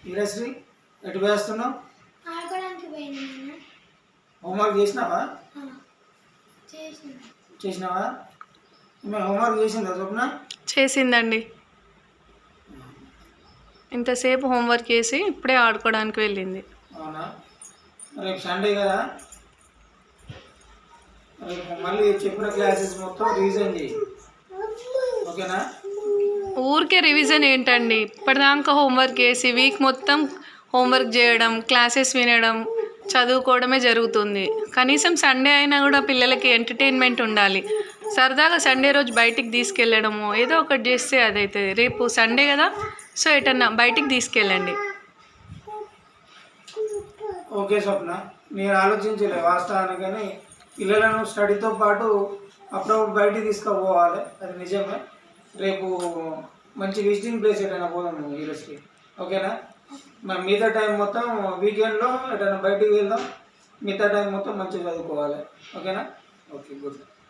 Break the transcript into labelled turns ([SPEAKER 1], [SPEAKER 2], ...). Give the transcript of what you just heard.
[SPEAKER 1] వీరశ్రీ ఎటు వేస్తున్నావు?
[SPEAKER 2] ఆడుకోవడానికి పోయింది.
[SPEAKER 1] హోంవర్క్ చేసినావా? చేసినావా? హోంవర్క్ చేసిందా స్వప్న?
[SPEAKER 3] చేసిందండి. ఇంతసేపు హోంవర్క్ చేసి ఇప్పుడే ఆడుకోవడానికి వెళ్ళింది.
[SPEAKER 1] అవునా? రేపు సండే కదా, రేపు మళ్ళీ చెప్పిన క్లాసెస్ మొత్తం రివిజన్ చేయి, ఓకేనా?
[SPEAKER 3] ఊరికే రివిజన్ ఏంటండి, ఇప్పటిదాకా హోంవర్క్ చేసి వీక్ మొత్తం హోంవర్క్ చేయడం, క్లాసెస్ వినడం, చదువుకోవడమే జరుగుతుంది. కనీసం సండే అయినా కూడా పిల్లలకి ఎంటర్టైన్మెంట్ ఉండాలి. సరదాగా సండే రోజు బయటికి తీసుకెళ్ళడము ఏదో ఒకటి చేస్తే అదైతుంది. రేపు సండే కదా, సో ఎటన్నా బయటికి తీసుకెళ్ళండి.
[SPEAKER 1] ఓకే స్వప్న, నేను ఆలోచించలే వాస్తవానికి, కానీ పిల్లలను స్టడీతో పాటు అప్పుడప్పుడు బయటికి తీసుకుపోవాలి, అది నిజమే. రేపు మంచి విజిటింగ్ ప్లేస్ ఎటైనా పోదాము ఈరోజుకి, ఓకేనా? మరి మిగతా టైం మొత్తం వీకెండ్లో ఎటైనా బయటికి వెళ్దాం, మిగతా టైం మొత్తం మంచిగా చదువుకోవాలి, ఓకేనా? Okay, good.